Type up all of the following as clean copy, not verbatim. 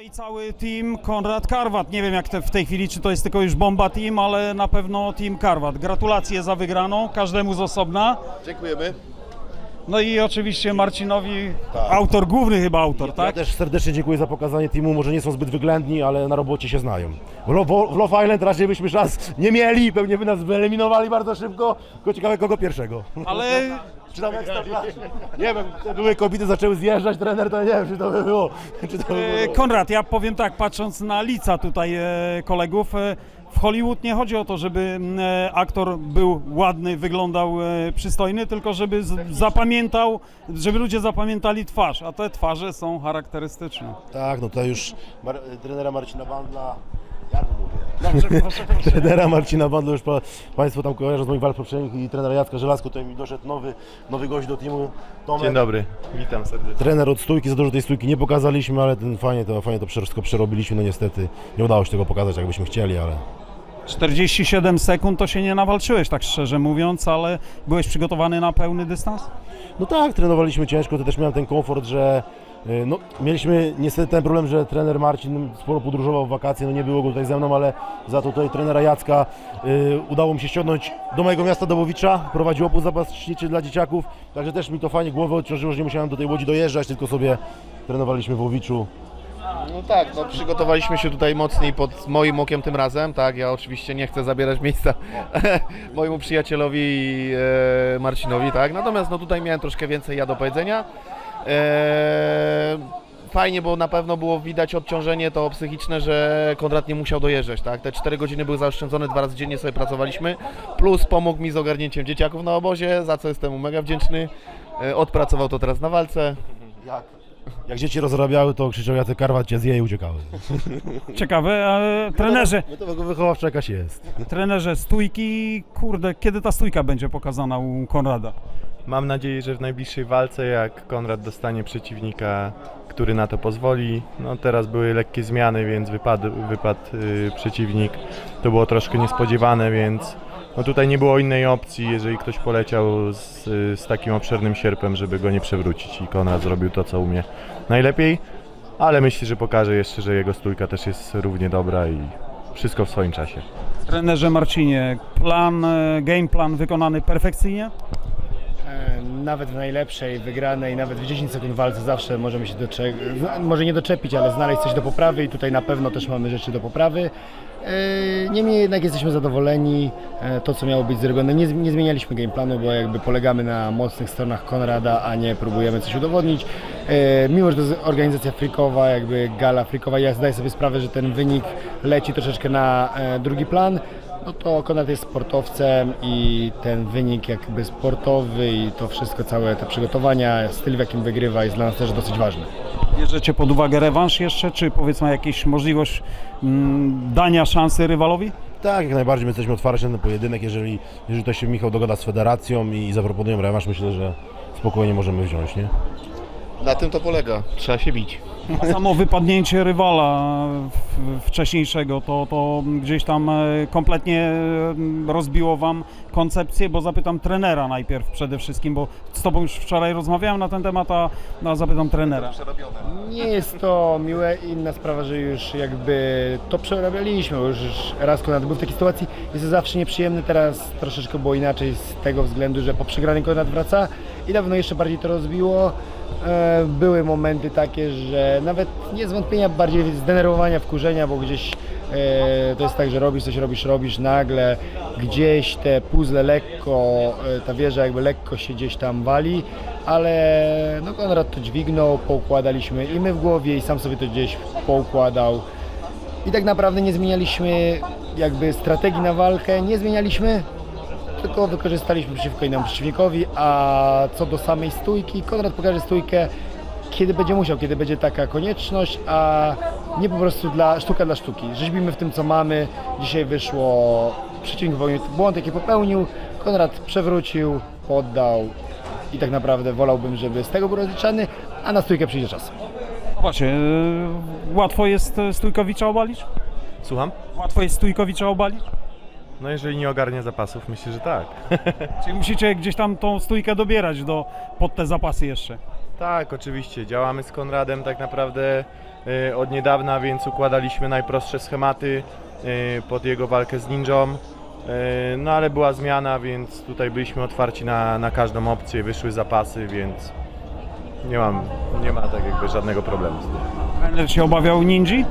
i cały team Konrad Karwat. Nie wiem jak w tej chwili, czy to jest tylko już bomba team, ale na pewno team Karwat. Gratulacje za wygraną, każdemu z osobna. Dziękujemy. No i oczywiście Marcinowi, Tak. autor, główny chyba autor, Ja tak? też serdecznie dziękuję za pokazanie teamu, może nie są zbyt wyględni, ale na robocie się znają. W Love Island raczej byśmy szans nie mieli, pewnie by nas wyeliminowali bardzo szybko, tylko ciekawe kogo pierwszego. Ale Czy tam Ekstraklasie? Nie wiem, te były kobiety zaczęły zjeżdżać, trener to nie wiem, czy to by było. Czy to by było. Konrad, ja powiem tak, patrząc na lica tutaj kolegów, w Hollywood nie chodzi o to, żeby aktor był ładny, wyglądał przystojny, tylko żeby zapamiętał, żeby ludzie zapamiętali twarz, a te twarze są charakterystyczne. Tak, no to już trenera Marcina Bandla, jak mówię? Trenera Marcina Bandla już Państwo tam kojarzą z moich walk poprzednich i trenera Jacka Żelazko, tutaj mi doszedł nowy gość do teamu, Tomek. Dzień dobry, witam serdecznie. Trener od stójki, za dużo tej stójki nie pokazaliśmy, ale fajnie to wszystko przerobiliśmy, no niestety nie udało się tego pokazać, jakbyśmy chcieli, ale... 47 sekund to się nie nawalczyłeś, tak szczerze mówiąc, ale byłeś przygotowany na pełny dystans? No tak, trenowaliśmy ciężko, to też miałem ten komfort, że no, mieliśmy niestety ten problem, że trener Marcin sporo podróżował w wakacje, no nie było go tutaj ze mną, ale za to tutaj trenera Jacka udało mi się ściągnąć do mojego miasta Dobowicza, prowadził obóz zapaśniczy dla dzieciaków, także też mi to fajnie głowę odciążyło, że nie musiałem do tej Łodzi dojeżdżać, tylko sobie trenowaliśmy w Łowiczu. No tak, no przygotowaliśmy się tutaj mocniej pod moim okiem tym razem, tak, ja oczywiście nie chcę zabierać miejsca mojemu przyjacielowi Marcinowi, tak, natomiast no tutaj miałem troszkę więcej ja do powiedzenia. Fajnie, bo na pewno było widać odciążenie to psychiczne, że Konrad nie musiał dojeżdżać, tak, te 4 godziny były zaoszczędzone, 2 razy dziennie sobie pracowaliśmy, plus pomógł mi z ogarnięciem dzieciaków na obozie, za co jestem mu mega wdzięczny, odpracował to teraz na walce. Jak dzieci rozrabiały, to krzyczał Jacek Karwat cię zje i uciekały. Ciekawe, ale trenerze, No to wychowawcza jakaś jest. trenerze stójki, kurde, kiedy ta stójka będzie pokazana u Konrada? Mam nadzieję, że w najbliższej walce, jak Konrad dostanie przeciwnika, który na to pozwoli. No teraz były lekkie zmiany, więc wypadł przeciwnik. To było troszkę niespodziewane, więc no tutaj nie było innej opcji, jeżeli ktoś poleciał z takim obszernym sierpem, żeby go nie przewrócić i Konrad zrobił to, co umie najlepiej. Ale myślę, że pokaże jeszcze, że jego stójka też jest równie dobra i wszystko w swoim czasie. Trenerze Marcinie, game plan wykonany perfekcyjnie? Nawet w najlepszej, wygranej, nawet w 10 sekund walce zawsze możemy się może nie doczepić, ale znaleźć coś do poprawy i tutaj na pewno też mamy rzeczy do poprawy. Niemniej jednak jesteśmy zadowoleni, to co miało być zrobione, nie zmienialiśmy game planu, bo jakby polegamy na mocnych stronach Konrada, a nie próbujemy coś udowodnić. Mimo że to jest organizacja freakowa, jakby gala freakowa, ja zdaję sobie sprawę, że ten wynik leci troszeczkę na drugi plan. No to Konrad jest sportowcem i ten wynik jakby sportowy i to wszystko, całe te przygotowania, styl w jakim wygrywa jest dla nas też dosyć ważny. Bierzecie pod uwagę rewanż jeszcze, czy powiedzmy jakaś możliwość dania szansy rywalowi? Tak, jak najbardziej my jesteśmy otwarci na ten pojedynek, jeżeli to się Michał dogada z federacją i zaproponują rewanż, myślę, że spokojnie możemy wziąć, nie? Na tym to polega, trzeba się bić. A samo wypadnięcie rywala wcześniejszego, to gdzieś tam kompletnie rozbiło Wam koncepcję, bo zapytam trenera najpierw przede wszystkim, bo z Tobą już wczoraj rozmawiałem na ten temat, a zapytam trenera. Nie jest to miłe, inna sprawa, że już jakby to przerabialiśmy, bo już raz Konrad był w takiej sytuacji, jest to zawsze nieprzyjemne, teraz troszeczkę było inaczej z tego względu, że po przegranej Konrad wraca i na pewno jeszcze bardziej to rozbiło. Były momenty takie, że nawet nie zwątpienia, bardziej zdenerwowania, wkurzenia, bo gdzieś to jest tak, że robisz, nagle gdzieś te puzzle lekko, ta wieża jakby lekko się gdzieś tam wali, ale no Konrad to dźwignął, poukładaliśmy i my w głowie i sam sobie to gdzieś poukładał i tak naprawdę nie zmienialiśmy jakby strategii na walkę, tylko wykorzystaliśmy przeciwko innemu przeciwnikowi, a co do samej stójki, Konrad pokaże stójkę, kiedy będzie musiał, kiedy będzie taka konieczność, a nie po prostu sztuka dla sztuki. Rzeźbimy w tym, co mamy. Dzisiaj wyszło, przeciwnik popełnił błąd, jaki popełnił, Konrad przewrócił, poddał i tak naprawdę wolałbym, żeby z tego był rozliczany, a na stójkę przyjdzie czas. Właśnie, łatwo jest Stójkowicza obalić? Słucham? Łatwo jest Stójkowicza obalić? No jeżeli nie ogarnia zapasów, myślę, że tak. Czyli musicie gdzieś tam tą stójkę dobierać pod te zapasy jeszcze? Tak, oczywiście. Działamy z Konradem tak naprawdę od niedawna, więc układaliśmy najprostsze schematy pod jego walkę z Ninją. No ale była zmiana, więc tutaj byliśmy otwarci na każdą opcję, wyszły zapasy, więc nie ma tak jakby żadnego problemu z tym. Trener się obawiał Ninji?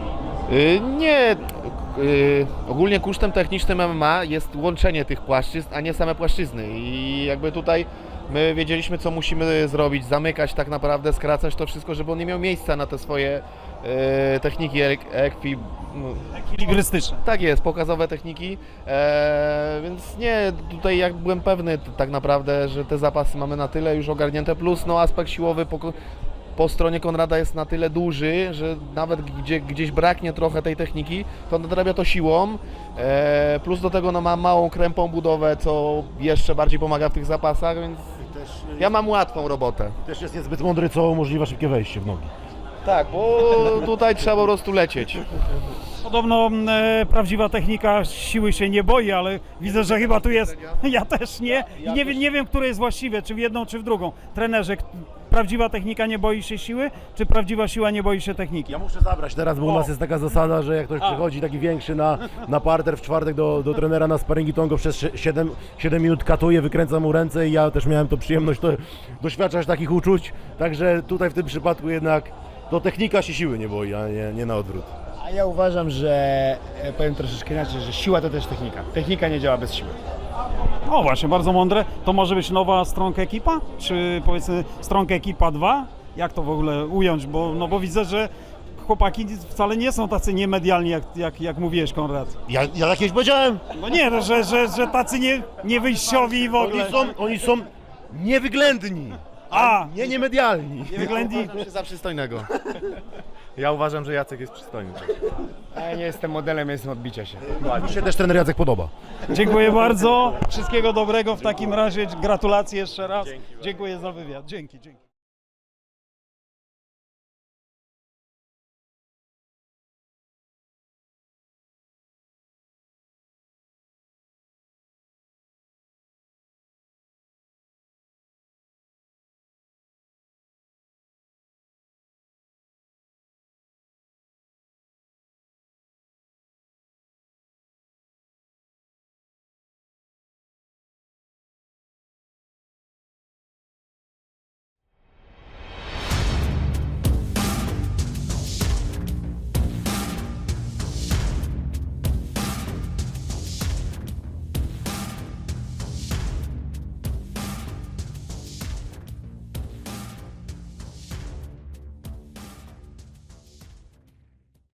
Nie. Ogólnie kosztem technicznym MMA jest łączenie tych płaszczyzn, a nie same płaszczyzny. I jakby tutaj my wiedzieliśmy, co musimy zrobić, zamykać tak naprawdę, skracać to wszystko, żeby on nie miał miejsca na te swoje techniki Ekilibrystyczne. Tak jest, pokazowe techniki, więc nie, tutaj jak byłem pewny tak naprawdę, że te zapasy mamy na tyle już ogarnięte, plus no aspekt siłowy po stronie Konrada jest na tyle duży, że nawet gdzieś braknie trochę tej techniki, to nadrabia to siłą, plus do tego no, ma małą krępą budowę, co jeszcze bardziej pomaga w tych zapasach, więc ja mam łatwą robotę. Też jest niezbyt mądry, co umożliwia szybkie wejście w nogi. Tak, bo tutaj trzeba po prostu lecieć. Podobno prawdziwa technika siły się nie boi, ale widzę, że chyba tu jest. Ja też nie. I nie wiem, które jest właściwe, czy w jedną, czy w drugą. Trenerze, prawdziwa technika nie boi się siły, czy prawdziwa siła nie boi się techniki? Ja muszę zabrać teraz, bo u nas jest taka zasada, że jak ktoś przychodzi taki większy na parter w czwartek do trenera na sparingi, to on go przez 7 minut katuje, wykręca mu ręce i ja też miałem to przyjemność doświadczać takich uczuć. Także tutaj w tym przypadku jednak to technika się siły nie boi, a nie na odwrót. A ja uważam, że powiem troszeczkę inaczej, że siła to też technika. Technika nie działa bez siły. O właśnie, bardzo mądre. To może być nowa Strong Ekipa? Czy powiedzmy Strong Ekipa 2? Jak to w ogóle ująć? Bo widzę, że chłopaki wcale nie są tacy niemedialni, jak mówiłeś, Konrad. Ja jakieś powiedziałem? No nie, no, że tacy niewyjściowi i w ogóle. Oni są niewyględni, nie medialni. Niewyględni. Uważam się za przystojnego. Ja uważam, że Jacek jest przystojny. A ja nie jestem modelem, jestem odbicia się. Mi się też trener Jacek podoba. Dziękuję bardzo. Wszystkiego dobrego w takim razie. Gratulacje jeszcze raz. Dziękuję za wywiad. Dzięki.